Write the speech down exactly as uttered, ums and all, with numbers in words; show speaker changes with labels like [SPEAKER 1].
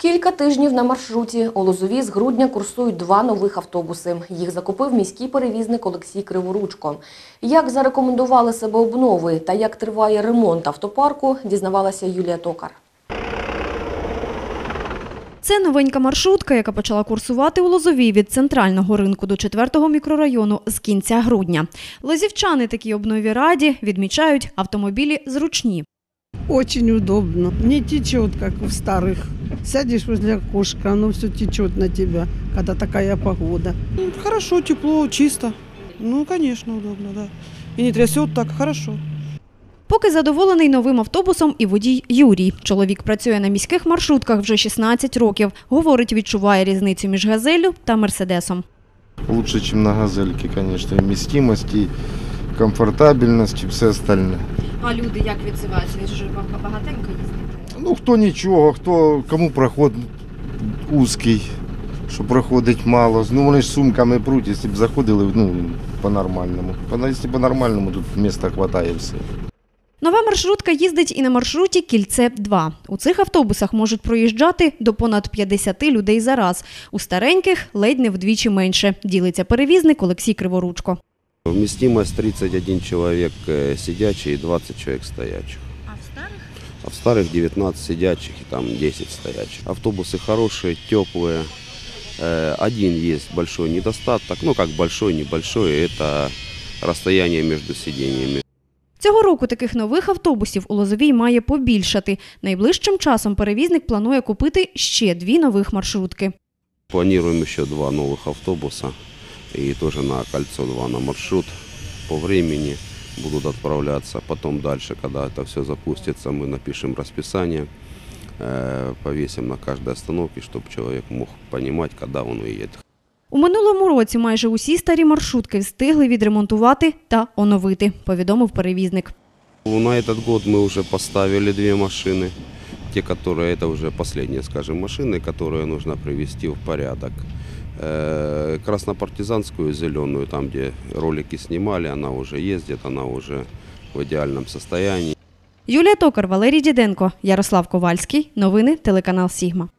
[SPEAKER 1] Кілька тижнів на маршруті. У Лозові з грудня курсують два нових автобуси. Їх закупив міський перевізник Олексій Криворучко. Як зарекомендували себе обнови та як триває ремонт автопарку, дізнавалася Юлія Токар.
[SPEAKER 2] Це новенька маршрутка, яка почала курсувати у Лозові від центрального ринку до четвертого мікрорайону з кінця грудня. Лозівчани такій обнові раді, відмічають, автомобілі зручні.
[SPEAKER 3] Очень удобно. Не течет, как в старых. Сядешь возле окошка, оно все течет на тебя, когда такая погода.
[SPEAKER 4] Хорошо, тепло, чисто. Ну, конечно, удобно, да. И не трясет так, хорошо.
[SPEAKER 2] Поки задоволений новим автобусом і водій Юрій. Чоловік працює на міських маршрутках вже шістнадцять років. Говорить, відчуває різницю між «Газеллю» та «Мерседесом».
[SPEAKER 5] Лучше, ніж на «Газельці», звісно, і вмістимость, і комфортабельність, і все остальне.
[SPEAKER 2] А люди як відзиваються? Ви ж багатенько їздите?
[SPEAKER 5] Ну, хто нічого, хто, кому проход вузький, що проходить мало. Ну, вони ж сумками пруть, якщо б заходили, ну, по-нормальному. Якщо по-нормальному, тут місця вистачає все.
[SPEAKER 2] Нова маршрутка їздить і на маршруті «Кільце-два». У цих автобусах можуть проїжджати до понад п'ятдесяти людей за раз. У стареньких ледь не вдвічі менше, ділиться перевізник Олексій Криворучко.
[SPEAKER 6] Вместимость тридцать один человек сидячих и двадцать человек стоячих.
[SPEAKER 2] А в старых?
[SPEAKER 6] А в старых девятнадцать сидячих и там десять стоячих. Автобусы хорошие, теплые. Один есть большой недостаток, ну как большой, небольшой, это расстояние между сиденьями.
[SPEAKER 2] Цього року таких нових автобусів у Лозовій має побільшати. Найближчим часом перевізник планує купити ще дві нових маршрутки.
[SPEAKER 6] Планируем ще два нових автобуса. И тоже на кольцо два на маршрут по времени будут отправляться. Потом дальше, когда это все запустится, мы напишем расписание, повесим на каждой остановке, чтобы человек мог понимать, когда он уедет.
[SPEAKER 2] У минулому році майже усі старі маршрутки встигли відремонтувати та оновити, повідомив перевізник.
[SPEAKER 6] На этот год мы уже поставили две машины. Те, которые, это уже последние, скажем, машины, которые нужно привести в порядок. Краснопартизанскую зеленую, там где ролики снимали, она уже ездит, она уже в идеальном состоянии.
[SPEAKER 2] Юлія Токар, Валерій Діденко, Ярослав Ковальський. Новини телеканал «Сігма».